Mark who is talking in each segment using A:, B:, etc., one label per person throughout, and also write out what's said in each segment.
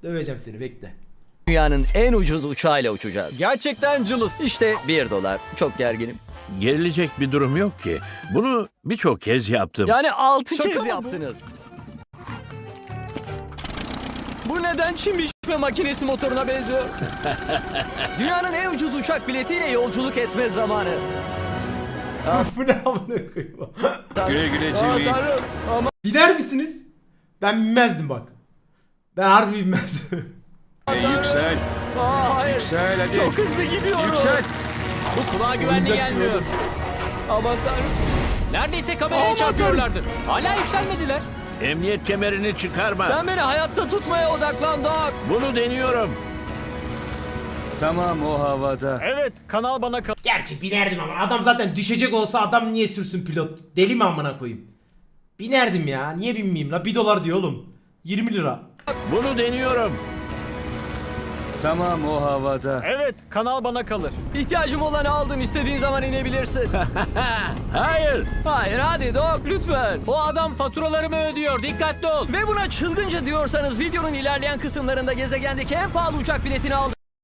A: Döveceğim seni, bekle.
B: Dünyanın en ucuz uçağıyla uçacağız.
C: Gerçekten cılız.
B: İşte $1. Çok gerginim.
D: Gerilecek bir durum yok ki. Bunu birçok kez yaptım.
B: Yani 6
C: Şaka
B: kez
C: mı bu?
B: yaptınız. Bu neden çim biçme makinesi motoruna benziyor? Dünyanın en ucuz uçak biletiyle yolculuk etme zamanı.
A: Bu ne amına koyayım?
C: Güle güle
B: Aa,
C: Jimmy.
B: Tanrım. Ama
A: Biner misiniz? Ben binmezdim bak. Ben harbi binmezdim.
C: Yüksel.
B: hayır.
C: Yüksel hadi.
B: Çok hızlı gidiyorum.
C: Yüksel.
B: Bu kulağa güvenli
A: Oyuncak
B: gelmiyor.
A: gibi olur.
B: Aman tanrım.
E: Neredeyse kameraya çarpıyorlardı. Hala yükselmediler.
D: Emniyet kemerini çıkarma.
B: Sen beni hayatta tutmaya odaklan Doc.
D: Bunu deniyorum.
C: Tamam o havada.
E: Evet, kanal bana kal.
A: Gerçi binerdim ama adam zaten düşecek olsa adam niye sürsün pilot? Deli mi amına koyayım? Binerdim ya. Niye binmeyeyim la? $1 diyor oğlum. 20 lira.
D: Bunu deniyorum.
C: Tamam o havada.
E: Evet, kanal bana kalır.
B: İhtiyacım olanı aldım. İstediğin zaman inebilirsin.
D: Hayır.
B: Hayır hadi Doc lütfen.
E: O adam faturalarımı ödüyor. Dikkatli ol.
B: Ve buna çılgınca diyorsanız videonun ilerleyen kısımlarında gezegendeki en pahalı uçak biletini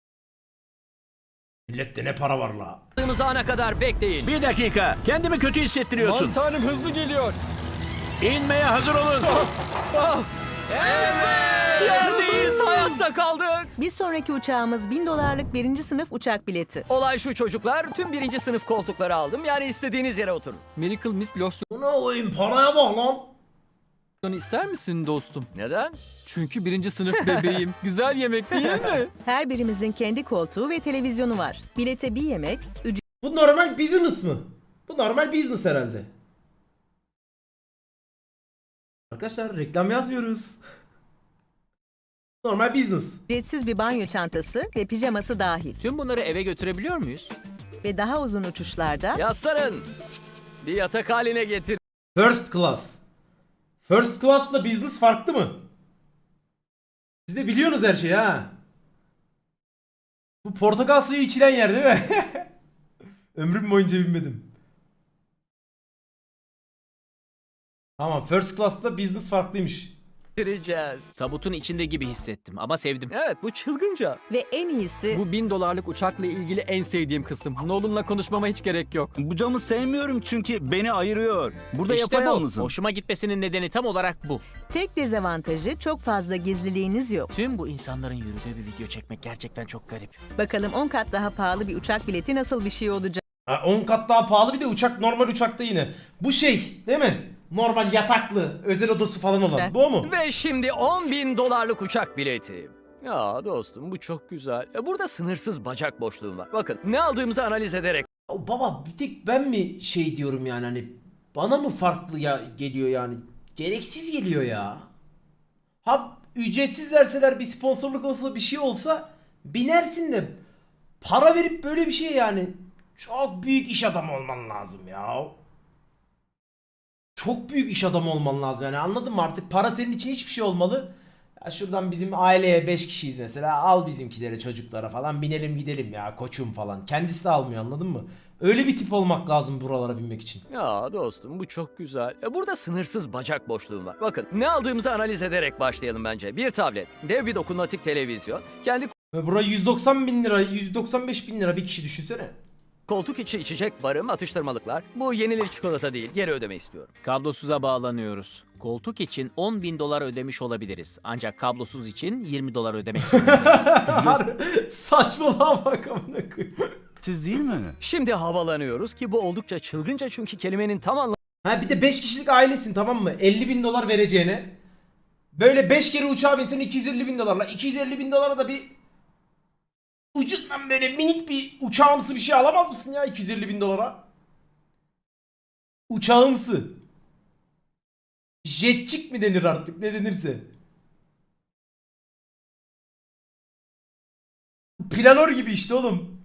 A: Millette ne para var la?
B: aldığımız ana kadar bekleyin.
D: Bir dakika. Kendimi kötü hissettiriyorsun.
C: Aman tanrım hızlı geliyor.
D: İnmeye hazır olun.
B: Ah! Yerdeyiz, hayatta kaldık.
F: Bir sonraki uçağımız $1000'lık birinci sınıf uçak bileti.
B: Olay şu çocuklar, tüm birinci sınıf koltukları aldım. Yani istediğiniz yere oturun.
C: Miracle Miss
A: Buna koyayım, paraya bak lan.
C: losyonu ister misin dostum?
B: Neden?
C: Çünkü birinci sınıf bebeğim. Güzel yemek değil mi?
F: Her birimizin kendi koltuğu ve televizyonu var. Bilete bir yemek,
A: Bu normal business mı? Bu normal business herhalde. Arkadaşlar reklam yazmıyoruz. Normal business.
F: ücretsiz bir banyo çantası ve pijaması dahil.
E: Tüm bunları eve götürebiliyor muyuz?
F: Ve daha uzun uçuşlarda
B: Yaslanın. Bir yatak haline getir.
A: First class. First class'la business farklı mı? Siz de biliyorsunuz her şeyi ha. Bu portakal suyu içilen yer değil mi? Ömrüm boyunca bilmedim. Tamam, first class'la business farklıymış.
B: Getireceğiz.
E: Tabutun içinde gibi hissettim ama sevdim.
B: Evet, bu çılgınca.
F: ve en iyisi
C: Bu $1000'lık uçakla ilgili en sevdiğim kısım. Nolan'la konuşmama hiç gerek yok.
G: Bu camı sevmiyorum çünkü beni ayırıyor. Burada
E: İşte bu.
G: yapayalnızım.
E: Hoşuma gitmesinin nedeni tam olarak bu.
F: tek dezavantajı çok fazla gizliliğiniz yok.
E: Tüm bu insanların yürüdüğü bir video çekmek gerçekten çok garip.
F: Bakalım 10 kat daha pahalı bir uçak bileti nasıl bir şey olacak?
A: Ha, 10 kat daha pahalı, bir de uçak normal uçakta yine. Bu şey değil mi? Normal yataklı, özel odası falan olan. Bu o mu?
B: Ve şimdi $10.000 uçak bileti. Ya dostum bu çok güzel. Burada sınırsız bacak boşluğum var. Bakın ne aldığımızı analiz ederek
A: Baba bir tek ben mi şey diyorum yani, hani bana mı farklı ya geliyor yani? Gereksiz geliyor ya. Ha ücretsiz verseler, bir sponsorluk olsa, bir şey olsa binersin de para verip böyle bir şey yani. Çok büyük iş adamı olman lazım ya. Çok büyük iş adamı olman lazım yani, anladın mı? Artık para senin için hiçbir şey olmalı. Ya şuradan bizim aileye 5 kişiyiz mesela, al bizimkilere, çocuklara falan binelim gidelim ya koçum falan. Kendisi de almıyor, anladın mı? Öyle bir tip olmak lazım buralara binmek için.
B: Ya dostum bu çok güzel. Burada sınırsız bacak boşluğum var. Bakın ne aldığımızı analiz ederek başlayalım bence. Bir tablet, dev bir dokunmatik televizyon, kendi
A: Ve bura 190 bin lira, 195 bin lira bir kişi düşünsene.
B: koltuk içi içecek barım, atıştırmalıklar. Bu yenilir çikolata değil, geri ödeme istiyorum.
E: Kablosuza bağlanıyoruz. Koltuk için $10.000 ödemiş olabiliriz. Ancak kablosuz için $20 ödemek zorundayız.
A: Saçmalama bak amına koyayım.
G: Siz değil mi?
B: Şimdi havalanıyoruz ki bu oldukça çılgınca çünkü kelimenin tam anlamı
A: Ha bir de 5 kişilik ailesin, tamam mı? 50 bin dolar vereceğine böyle 5 kere uçağa binsen 250 bin dolarla, 250 bin dolara da bir ucundan böyle minik bir uçağımsı bir şey alamaz mısın ya 250 bin dolara? Uçağımsı. Jetçik mi denir artık, ne denirse. Planör gibi işte oğlum.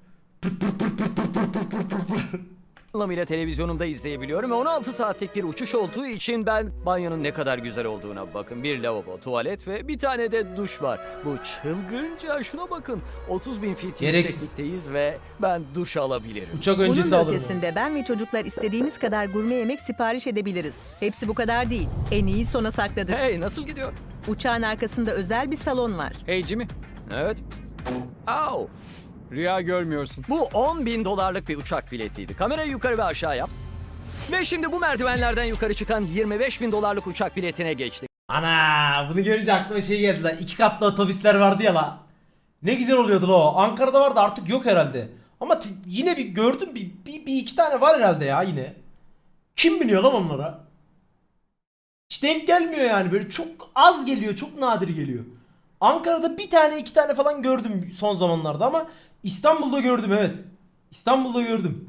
B: anlamıyla televizyonumda izleyebiliyorum ve 16 saatlik bir uçuş olduğu için ben banyonun ne kadar güzel olduğuna bakın. Bir lavabo, tuvalet ve bir tane de duş var. Bu çılgınca, şuna bakın. 30.000 feet
A: Gereksiz.
B: yükseklikteyiz ve ben duş alabilirim.
A: Uçak
F: Bunun
A: öncesi
F: da
A: alırım.
F: ötesinde ben ve çocuklar istediğimiz kadar gurme yemek sipariş edebiliriz. Hepsi bu kadar değil. En iyi sona sakladık.
B: Hey, nasıl gidiyor?
F: Uçağın arkasında özel bir salon var.
C: Hey Jimmy,
B: Evet. Au.
C: rüya görmüyorsun.
B: Bu 10.000 dolarlık bir uçak biletiydi. Kamerayı yukarı ve aşağı yap. Ve şimdi bu merdivenlerden yukarı çıkan 25.000 dolarlık uçak biletine geçtik.
A: Ana bunu görünce aklıma şey geldi lan. 2 katlı otobüsler vardı ya la. Ne güzel oluyordu la o. Ankara'da vardı, artık yok herhalde. Ama yine bir gördüm, bir iki tane var herhalde ya yine. Kim biniyor lan onlara? Hiç denk gelmiyor yani, böyle çok az geliyor, çok nadir geliyor. Ankara'da bir tane iki tane falan gördüm son zamanlarda ama İstanbul'da gördüm, evet. İstanbul'da gördüm.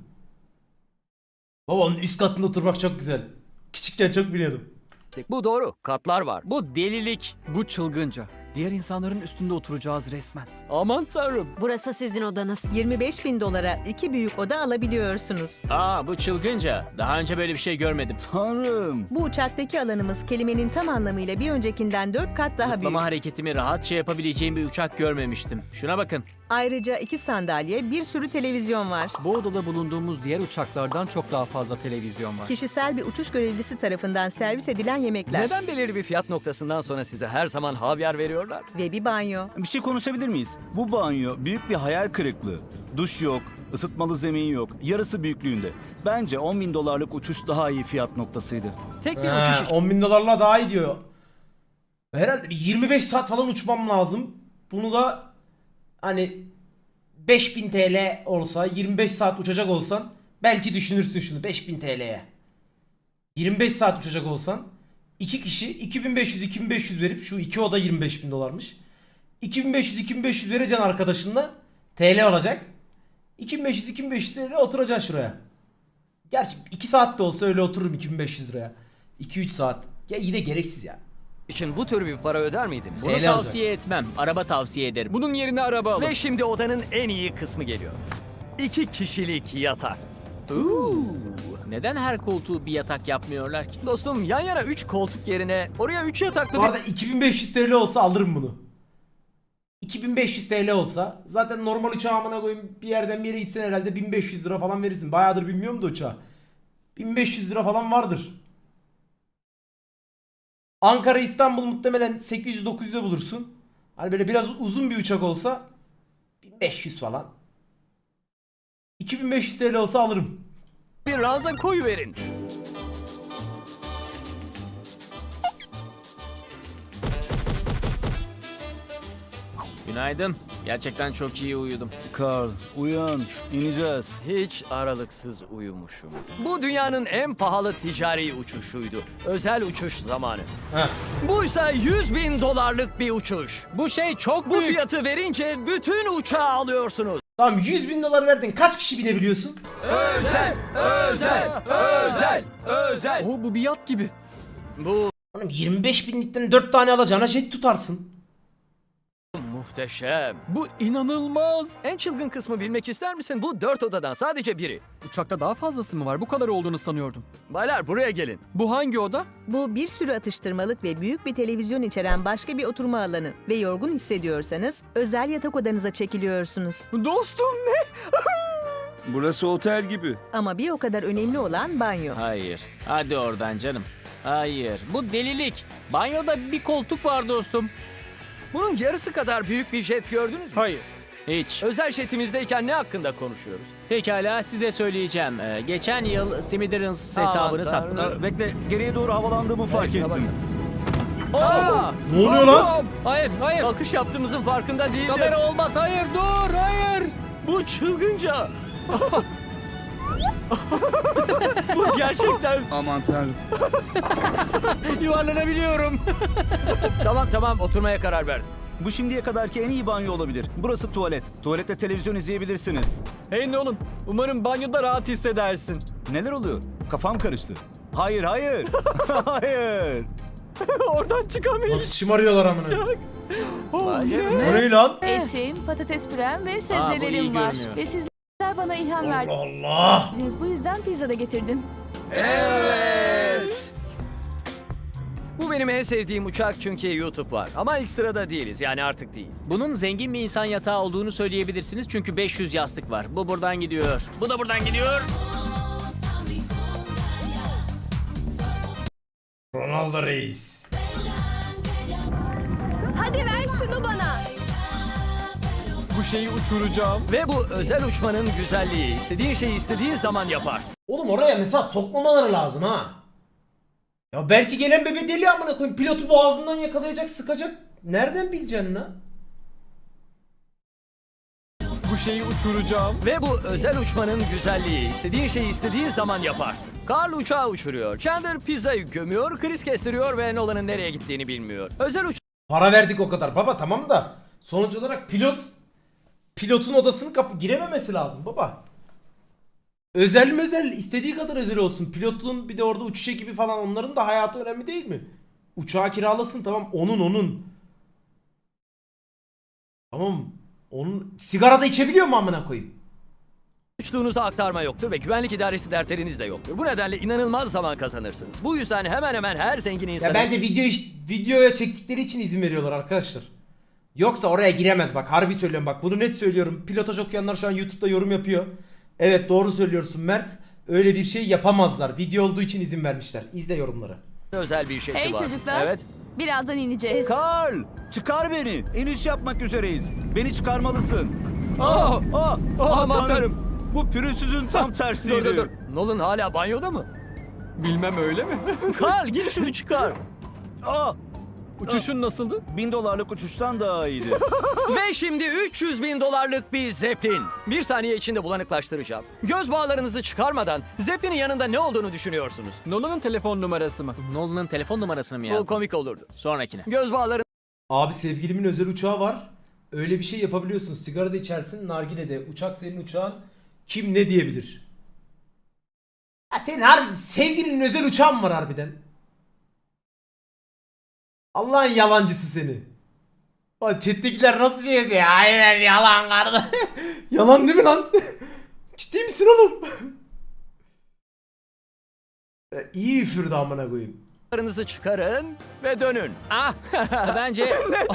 A: Baba onun üst katında oturmak çok güzel. Küçükken çok biliyordum.
B: Bu doğru. Katlar var.
E: Bu delilik.
C: Bu çılgınca. Diğer insanların üstünde oturacağız resmen.
B: Aman tanrım.
H: Burası sizin odanız.
F: 25.000 dolara 2 büyük oda alabiliyorsunuz.
E: Aa, bu çılgınca. Daha önce böyle bir şey görmedim.
G: Tanrım.
F: Bu uçaktaki alanımız kelimenin tam anlamıyla bir öncekinden 4 kat daha
E: Zıplama
F: büyük.
E: hareketimi rahatça yapabileceğim bir uçak görmemiştim. Şuna bakın.
F: Ayrıca 2 sandalye, bir sürü televizyon var.
C: Bu odada bulunduğumuz diğer uçaklardan çok daha fazla televizyon var.
F: Kişisel bir uçuş görevlisi tarafından servis edilen yemekler
B: Neden belirli bir fiyat noktasından sonra size her zaman havyar veriyorlar?
F: ve bir banyo.
G: Bir şey konuşabilir miyiz? Bu banyo büyük bir hayal kırıklığı. Duş yok, ısıtmalı zemin yok, yarısı büyüklüğünde. Bence 10.000 dolarlık uçuş daha iyi fiyat noktasıydı.
B: Tek bir uçuş için
A: 10.000 dolarla daha iyi diyor. Herhalde bir 25 saat falan uçmam lazım. Bunu da hani 5000 TL olsa, 25 saat uçacak olsan belki düşünürsün şunu 5000 TL'ye. 25 saat uçacak olsan 2 kişi 2500 verip, şu 2 oda 25.000 dolarmış. 2500 vereceksin arkadaşınla, TL olacak. 2500 TL oturacaksın şuraya. Gerçi 2 saat de olsa öyle otururum 2500 liraya. 2-3 saat. Ya yine gereksiz ya.
B: bu tür bir para öder miydiniz?
E: Bunu
A: TL
E: tavsiye etmem. Araba tavsiye ederim.
C: Bunun yerine araba alın.
B: Ve şimdi odanın en iyi kısmı geliyor. 2 kişilik yatak.
E: Neden her koltuğu bir yatak yapmıyorlar ki?
B: Dostum, yan yana 3 koltuk yerine oraya 3 yataklı
A: Bu
B: bir...
A: arada 2500 TL olsa alırım bunu. 2500 TL olsa zaten normal uçağa amına koyayım, bir yerden bir yere gitsen herhalde 1500 lira falan verirsin. Bayağıdır bilmiyorum da uçağı. 1500 lira falan vardır. Ankara İstanbul muhtemelen 800-900'e bulursun. Hani böyle biraz uzun bir uçak olsa 1500 falan. 2500 TL olsa alırım.
B: bir ranza koyuverin.
E: Günaydın. Gerçekten çok iyi uyudum.
G: Carl, uyan, ineceğiz.
B: Hiç aralıksız uyumuşum. Bu dünyanın en pahalı ticari uçuşuydu. Özel uçuş zamanı.
A: Heh.
B: Buysa 100.000 dolarlık bir uçuş.
E: Bu şey çok
B: Bu
E: büyük.
B: fiyatı verince bütün uçağı alıyorsunuz.
A: Tamam, 100.000 dolar verdin. Kaç kişi binebiliyorsun?
B: Özel.
C: Oo, bu bir yat gibi.
B: Bu
A: Oğlum 25 binlikten 4 tane alacağına jet tutarsın.
B: muhteşem.
C: Bu inanılmaz.
B: En çılgın kısmı bilmek ister misin? Bu 4 odadan sadece biri.
C: Uçakta daha fazlası mı var? Bu kadar olduğunu sanıyordum.
B: Baylar buraya gelin.
C: Bu hangi oda?
F: Bu bir sürü atıştırmalık ve büyük bir televizyon içeren başka bir oturma alanı. Ve yorgun hissediyorsanız özel yatak odanıza çekiliyorsunuz.
C: Dostum ne?
G: Burası otel gibi.
F: Ama bir o kadar önemli olan banyo.
E: Hayır. Hadi oradan canım. Hayır. Bu delilik. Banyoda bir koltuk var dostum.
B: Bunun yarısı kadar büyük bir jet gördünüz mü?
C: Hayır.
E: Hiç.
B: Özel jetimizdeyken ne hakkında konuşuyoruz?
E: Pekala size söyleyeceğim. Geçen yıl Smithereens
B: Aman
E: hesabını
B: tanrım.
E: sattım.
G: Bekle, geriye doğru havalandığımı fark
B: Şuna
G: ettim.
B: baksana. Aa!
A: Ne oluyor lan?
E: Hayır, hayır.
B: Kalkış yaptığımızın farkında değildim.
E: Kamera olmaz. Hayır, dur. Hayır.
B: Bu çılgınca. Bu gerçekten.
G: Aman tanrım.
E: Yuvarlanabiliyorum.
B: Tamam oturmaya karar verdim.
G: Bu şimdiye kadarki en iyi banyo olabilir. Burası tuvalet. Tuvalette televizyon izleyebilirsiniz.
C: Hey Nolan, umarım banyoda rahat hissedersin.
G: Neler oluyor? Kafam karıştı. Hayır, hayır. Hayır.
C: Oradan çıkamayız.
A: Nasıl şımarıyorlar amına.
B: Vay canına.
A: O ne lan?
I: Etim, patates pürem ve
E: iyi
I: sebzelerim var.
E: görünüyor.
I: Ve sizler bana ilham
A: Allah
I: verdiniz.
A: Allah.
I: Bu yüzden pizza da getirdim.
B: Evet. Bu benim en sevdiğim uçak çünkü YouTube var. Ama ilk sırada değiliz, yani artık değil.
E: Bunun zengin bir insan yatağı olduğunu söyleyebilirsiniz çünkü 500 yastık var. Bu buradan gidiyor. Bu da buradan gidiyor.
A: Ronaldo Reis.
C: Bu şeyi uçuracağım.
B: Ve bu özel uçmanın güzelliği. İstediğin şeyi istediğin zaman yaparsın.
A: Oğlum oraya mesela sokmamaları lazım ha. Ya belki gelen bebe deli amına koyayım. Pilotu boğazından yakalayacak, sıkacak. Nereden bileceksin lan?
C: Bu şeyi uçuracağım.
B: Ve bu özel uçmanın güzelliği. İstediğin şeyi istediğin zaman yaparsın. Carl uçağı uçuruyor. Chandler pizzayı gömüyor. Chris kestiriyor ve Nolan'ın nereye gittiğini bilmiyor. Özel
A: Para verdik o kadar. Baba tamam da sonuç olarak pilotun odasını girememesi lazım baba. Özel mi özel? İstediği kadar özel olsun. Pilotun bir de orada uçuş ekibi falan, onların da hayatı önemli değil mi? Uçağı kiralasın, tamam, onun. Tamam. Onun sigara da içebiliyor mu amına koyayım?
B: uçtuğunuza aktarma yoktur ve güvenlik idaresi dertleriniz de yoktur. Bu nedenle inanılmaz zaman kazanırsınız. Bu yüzden hemen hemen her zengin
A: Ya
B: insanın...
A: bence videoya çektikleri için izin veriyorlar arkadaşlar. Yoksa oraya giremez bak. Harbi söylüyorum bak. Bunu net söylüyorum. Pilotaj okuyanlar şu an YouTube'da yorum yapıyor. Evet doğru söylüyorsun Mert. Öyle bir şey yapamazlar. Video olduğu için izin vermişler. İzle yorumları.
B: özel bir şey
I: Hey
B: var.
I: çocuklar.
B: Evet.
I: Birazdan ineceğiz.
G: Karl, çıkar beni. İniş yapmak üzereyiz. Beni çıkarmalısın.
B: Oh!
G: Tanrım.
B: Aman tanrım.
G: Bu pürüzsüzün tam tersiydi.
B: Dur. Nolan hala banyoda mı?
C: Bilmem öyle mi?
B: Carl gir şunu çıkar.
G: Aa,
C: Uçuşun nasıldı?
G: $1000 uçuştan daha iyiydi.
B: Ve şimdi 300 bin dolarlık bir Zeppelin. Bir saniye içinde bulanıklaştıracağım. Göz bağlarınızı çıkarmadan Zeppelin'in yanında ne olduğunu düşünüyorsunuz.
C: Nolan'ın telefon numarası mı?
E: Nolan'ın telefon numarasını mı
B: Bu
E: yazdın?
B: komik olurdu.
E: Sonrakine.
B: Göz bağları
A: Abi sevgilimin özel uçağı var. Öyle bir şey yapabiliyorsun. Sigara da içersin, nargile de. Uçak senin uçağın. Kim ne diyebilir? Ya senin sevgilinin özel uçağın var harbiden. Allah'ın yalancısı seni. Bak chat'tekiler nasıl şey yazıyor? Aynen yalan kardeş. Yalan değil mi lan? Ciddi misin oğlum? Ya iyi üfürdü amına koyayım.
B: Karınızı çıkarın ve dönün.
E: Ah bence...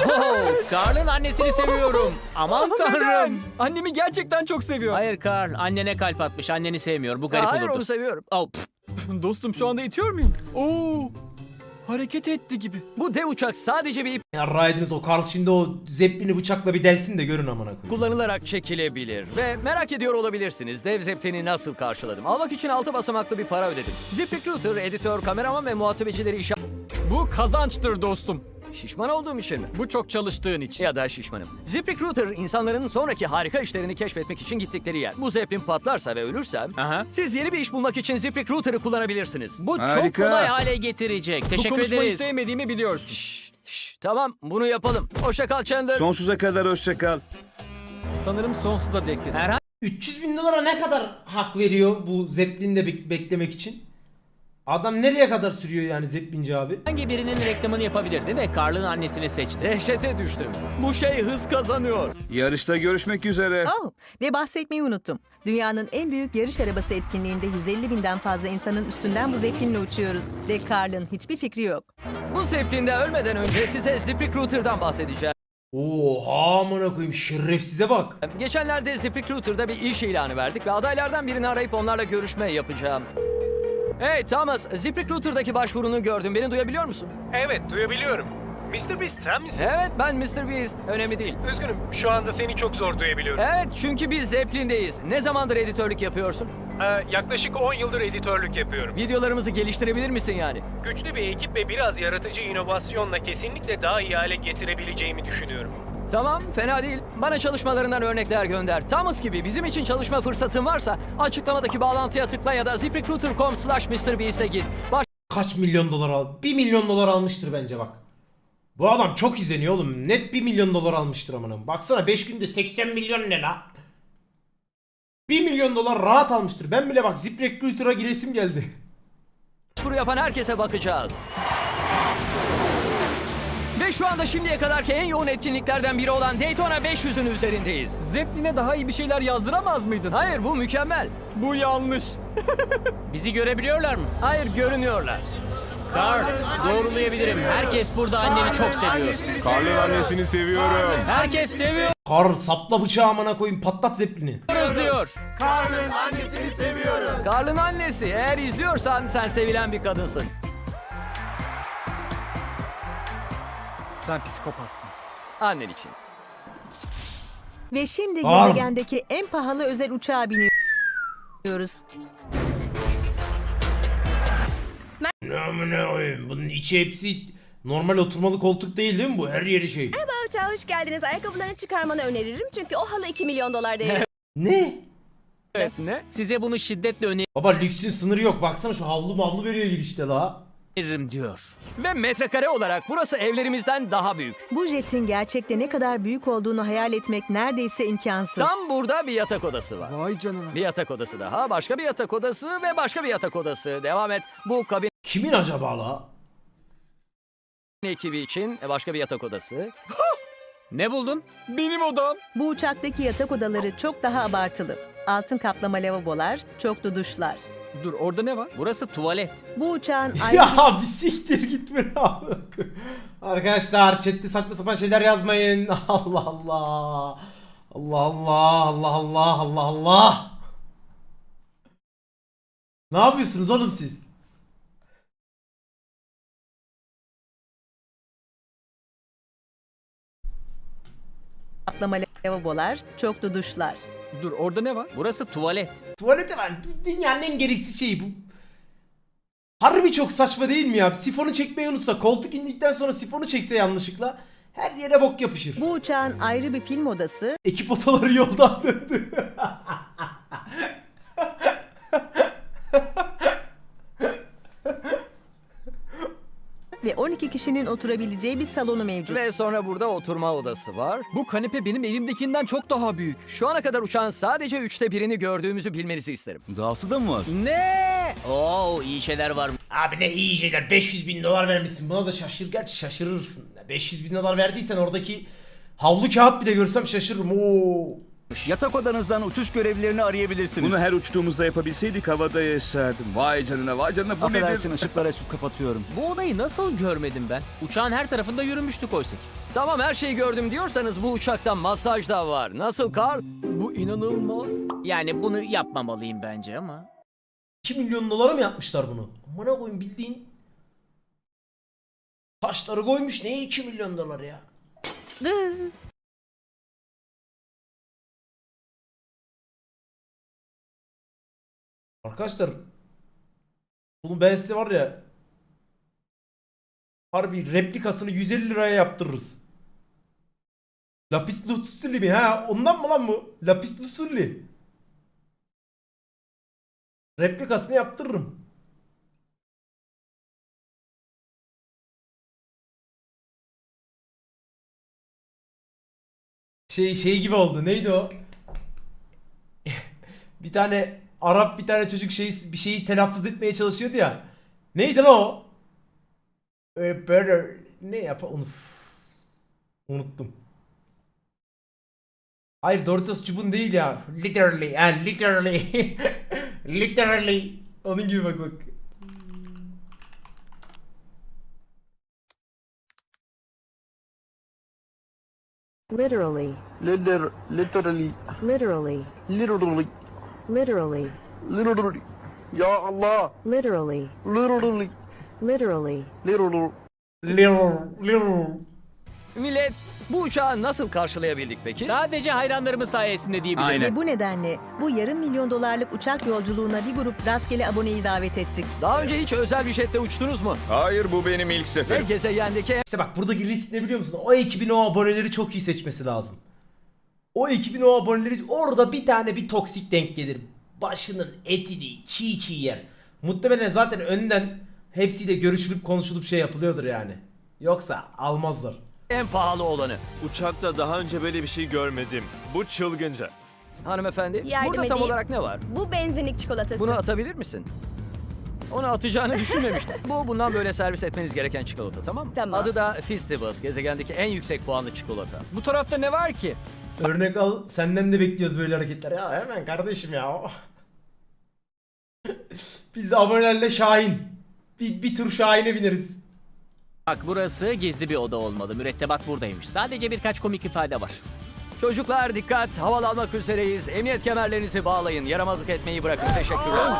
E: Carl'ın annesini seviyorum. Aman tanrım.
C: Annemi gerçekten çok seviyor.
E: Hayır Carl, annene kalp atmış. Anneni sevmiyor. Bu garip
B: Hayır
E: olurdu.
B: onu seviyorum.
E: Oh, pf.
C: Dostum şu anda itiyor muyum? Oo! Hareket etti gibi.
B: Bu dev uçak sadece bir ip
A: Ya Raid'iniz o Carl şimdi o Zeppelin'i bıçakla bir delsin de görün amına koyayım.
B: kullanılarak çekilebilir. Ve merak ediyor olabilirsiniz dev Zeppelin'i nasıl karşıladım. Almak için 6 basamaklı bir para ödedim. ZipRecruiter, editör, kameraman ve muhasebecileri işe...
C: Bu kazançtır dostum.
B: Şişman olduğum için mi?
C: Bu çok çalıştığın için.
B: Ya da şişmanım. ZipRecruiter insanların sonraki harika işlerini keşfetmek için gittikleri yer. Bu Zeppelin patlarsa ve ölürsem
E: Aha.
B: siz yeni bir iş bulmak için ZipRecruiter'ı kullanabilirsiniz.
E: Bu çok kolay hale getirecek.
C: Bu
E: Teşekkür
C: konuşmayı
E: ederiz.
C: sevmediğimi biliyorsun.
B: Şşş, tamam bunu yapalım. Hoşça kal Chandler.
H: Sonsuza kadar hoşça kal.
C: Sanırım sonsuza dek dedi.
E: Herhangi
A: 300 bin dolara ne kadar hak veriyor bu Zeppelin'de beklemek için? Adam nereye kadar sürüyor yani Zeppelinci abi?
E: birinin reklamını yapabilirdi ve Carl'ın annesini seçti.
B: Dehşete düştüm. Bu şey hız kazanıyor.
H: Yarışta görüşmek üzere.
F: Oh, ve bahsetmeyi unuttum. Dünyanın en büyük yarış arabası etkinliğinde 150 binden fazla insanın üstünden bu Zeppelin'le uçuyoruz. Ve Carl'ın hiçbir fikri yok.
B: Bu Zeppelin'de ölmeden önce size ZipRecruiter'dan bahsedeceğim.
A: Oha amına koyayım, şerefsize bak.
B: Geçenlerde ZipRecruiter'da bir iş ilanı verdik ve adaylardan birini arayıp onlarla görüşme yapacağım. Hey Thomas, ZipRecruiter'daki başvurunu gördüm. Beni duyabiliyor musun?
J: Evet, duyabiliyorum. Mr. Beast sen misin?
B: Evet, ben Mr. Beast. Önemli değil.
J: Üzgünüm, şu anda seni çok zor duyabiliyorum.
B: Evet, çünkü biz Zeppelin'deyiz. Ne zamandır editörlük yapıyorsun?
J: Yaklaşık 10 yıldır editörlük yapıyorum.
B: Videolarımızı geliştirebilir misin yani?
J: Güçlü bir ekip ve biraz yaratıcı inovasyonla kesinlikle daha iyi hale getirebileceğimi düşünüyorum.
B: Tamam, fena değil. Bana çalışmalarından örnekler gönder. Thomas gibi bizim için çalışma fırsatın varsa açıklamadaki bağlantıya tıkla ya da ziprecruiter.com/MrBeast'e git.
A: Kaç milyon dolar al? 1 milyon dolar almıştır bence bak. Bu adam çok izleniyor oğlum. Net 1 milyon dolar almıştır amına. Baksana 5 günde 80 milyon ne la? 1 milyon dolar rahat almıştır. Ben bile bak ZipRecruiter'a giresim geldi.
B: Başvuru yapan herkese bakacağız. Ve şu anda şimdiye kadarki en yoğun etkinliklerden biri olan Daytona 500'ün üzerindeyiz.
C: Zeppelin'e daha iyi bir şeyler yazdıramaz mıydın?
B: Hayır, bu mükemmel.
C: Bu yanlış.
E: Bizi görebiliyorlar mı?
B: Hayır, görünüyorlar.
E: Carl, doğrulayabilirim. Herkes burada anneni çok seviyor.
H: Karl'ın annesini seviyorum.
E: Herkes seviyoruz
A: Kar sapla bıçağı amına koyayım, patlat Zeppelin'i.
E: diyor.
B: Carl'ın annesi, eğer izliyorsan sen sevilen bir kadınsın.
C: Sen psikopatsın.
B: Annen için.
F: Ve şimdi
A: Aa!
F: gezegendeki en pahalı özel uçağa biniyoruz.
A: Ne amına koyayım? Bunun içi hepsi normal oturmalı koltuk değil mi bu? Her yeri şey.
I: Uçağa hoş geldiniz. Ayakkabılarını çıkarmanı öneririm. Çünkü o halı 2 milyon dolar değerinde.
A: Ne?
B: Evet ne?
E: Size bunu şiddetle
A: Baba lüksün sınırı yok. Baksana şu havlu mavlu veriyor girişte la.
E: öneririm diyor.
B: Ve metrekare olarak burası evlerimizden daha büyük.
F: Bu jetin gerçekte ne kadar büyük olduğunu hayal etmek neredeyse imkansız.
B: Tam burada bir yatak odası var.
C: Vay canına.
B: Bir yatak odası daha, başka bir yatak odası ve başka bir yatak odası. Devam et. Bu kabin
A: Kimin acaba la?
B: ekibi için başka bir yatak odası.
E: Ne buldun?
C: Benim odam.
F: Bu uçaktaki yatak odaları çok daha abartılı. Altın kaplama lavabolar, çoklu duşlar.
C: Dur orada ne var?
E: Burası tuvalet.
F: Bu uçağın ayrı
A: Ya bir siktir gitme la. Arkadaşlar chatte saçma sapan şeyler yazmayın. Allah Allah. Allah Allah. Allah Allah. Allah Allah. Ne yapıyorsunuz oğlum siz?
F: kaplama lavabolar, çoklu duşlar.
C: Dur orada ne var?
E: Burası tuvalet.
A: Tuvalete var. Dünyanın en gereksiz şeyi bu. Harbi çok saçma değil mi ya? Sifonu çekmeyi unutsa, koltuk indikten sonra sifonu çekse yanlışlıkla her yere bok yapışır.
F: Bu uçağın ayrı bir film odası
A: Ekip otoları yoldan döndü.
F: ve 12 kişinin oturabileceği bir salonu mevcut.
B: Ve sonra burada oturma odası var.
C: Bu kanepe benim evimdekinden çok daha büyük.
B: Şu ana kadar uçağın sadece 1/3'ünü gördüğümüzü bilmenizi isterim.
G: Dahası da mı var?
B: Ne?
E: Oo iyi şeyler var.
A: Abi ne iyi şeyler. 500 bin dolar vermişsin. Buna da gerçi şaşırırsın. 500 bin dolar verdiysen oradaki havlu kağıt bile görsem şaşırırım. Oo.
G: Yatak odanızdan uçuş görevlilerini arayabilirsiniz.
H: Bunu her uçtuğumuzda yapabilseydik havada yaşardım. Vay canına vay canına bu
G: Affedersin,
H: nedir?
G: ışıkları açıp kapatıyorum.
E: Bu odayı nasıl görmedim ben? Uçağın her tarafında yürümüştük oysa ki.
B: Tamam her şeyi gördüm diyorsanız bu uçakta masaj da var. Nasıl Carl?
C: Bu inanılmaz.
E: Yani bunu yapmamalıyım bence ama.
A: 2 milyon dolara mı yapmışlar bunu? Amına koyayım bildiğin. Taşları koymuş. Neye 2 milyon dolar ya? Arkadaşlar bunu ben size var ya harbi replikasını 150 liraya yaptırırız. Lapis lazuli mi ha? Ondan mı lan bu? Lapis lazuli. Replikasını yaptırırım. Şey gibi oldu. Neydi o? Bir tane Arap bir tane çocuk bir şeyi telaffuz etmeye çalışıyordu ya. Neydi lan o? Böyle ne yap onu unuttum. Hayır Doritos çubuğun değil ya. Literally and literally. Literally. Onun gibi bak.
F: Literally.
K: Literally.
F: Literally.
K: Literally.
F: Literally.
K: Literally. Ya Allah.
F: Literally.
K: Literally.
F: Literally.
K: Literally.
A: Little.
B: Millet bu uçağı nasıl karşılayabildik peki?
E: Sadece hayranlarımız sayesinde diyebilirim.
F: Ve bu nedenle bu yarım milyon dolarlık uçak yolculuğuna bir grup rastgele aboneyi davet ettik.
B: Daha önce hiç özel bir jette uçtunuz mu?
H: Hayır bu benim ilk
B: Ve
H: seferim.
B: gezegendeki
A: İşte bak buradaki risk ne biliyor musun? O ekibin o aboneleri çok iyi seçmesi lazım. O ekibin o aboneleri orada bir toksik denk gelir. Başının etini çiğ yer. Muhtemelen zaten önden hepsiyle görüşülüp konuşulup şey yapılıyordur yani. Yoksa almazlar.
B: en pahalı olanı.
H: Uçakta daha önce böyle bir şey görmedim. Bu çılgınca.
B: Hanımefendi
I: Yardım
B: burada tam
I: edeyim.
B: olarak ne var?
I: Bu benzinlik çikolatası.
B: Bunu atabilir misin? Onu atacağını düşünmemiştim. Bu bundan böyle servis etmeniz gereken çikolata tamam mı?
I: Tamam.
B: Adı da Festivals. Gezegendeki en yüksek puanlı çikolata.
C: Bu tarafta ne var ki?
A: Örnek al, senden de bekliyoruz böyle hareketler. Ya hemen kardeşim ya. Biz de abonelerle Şahin. Bir tur Şahin'e bineriz.
E: Bak burası gizli bir oda olmalı. Mürettebat buradaymış. Sadece birkaç komik ifade var.
B: Çocuklar dikkat, havalanmak üzereyiz. Emniyet kemerlerinizi bağlayın. Yaramazlık etmeyi bırakın. Teşekkürler.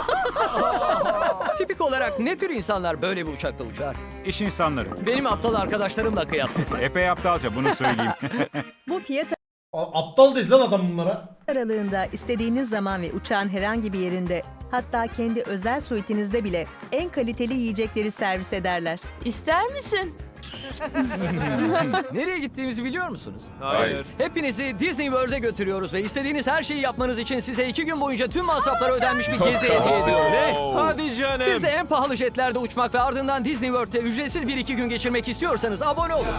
B: Tipik olarak ne tür insanlar böyle bir uçakta uçar?
L: İş insanları.
B: Benim aptal arkadaşlarımla kıyaslasak.
L: Epey aptalca bunu söyleyeyim.
F: Bu fiyat
A: Aptal dedi lan adam bunlara.
F: aralığında istediğiniz zaman ve uçağın herhangi bir yerinde, hatta kendi özel suitinizde bile en kaliteli yiyecekleri servis ederler.
I: İster misin?
B: Nereye gittiğimizi biliyor musunuz?
H: Hayır.
B: Hepinizi Disney World'e götürüyoruz ve istediğiniz her şeyi yapmanız için size 2 gün boyunca tüm masrafları ödenmiş bir gezi hediye ediyorum.
H: Hadi canım.
B: Siz de en pahalı jetlerde uçmak ve ardından Disney World'te ücretsiz 1-2 gün geçirmek istiyorsanız abone olun.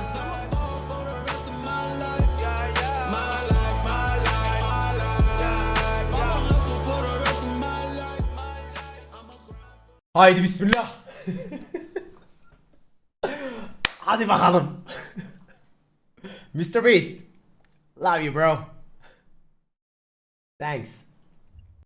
A: Haydi bismillah. Hadi bakalım. Mr. Beast. Love you bro. Thanks.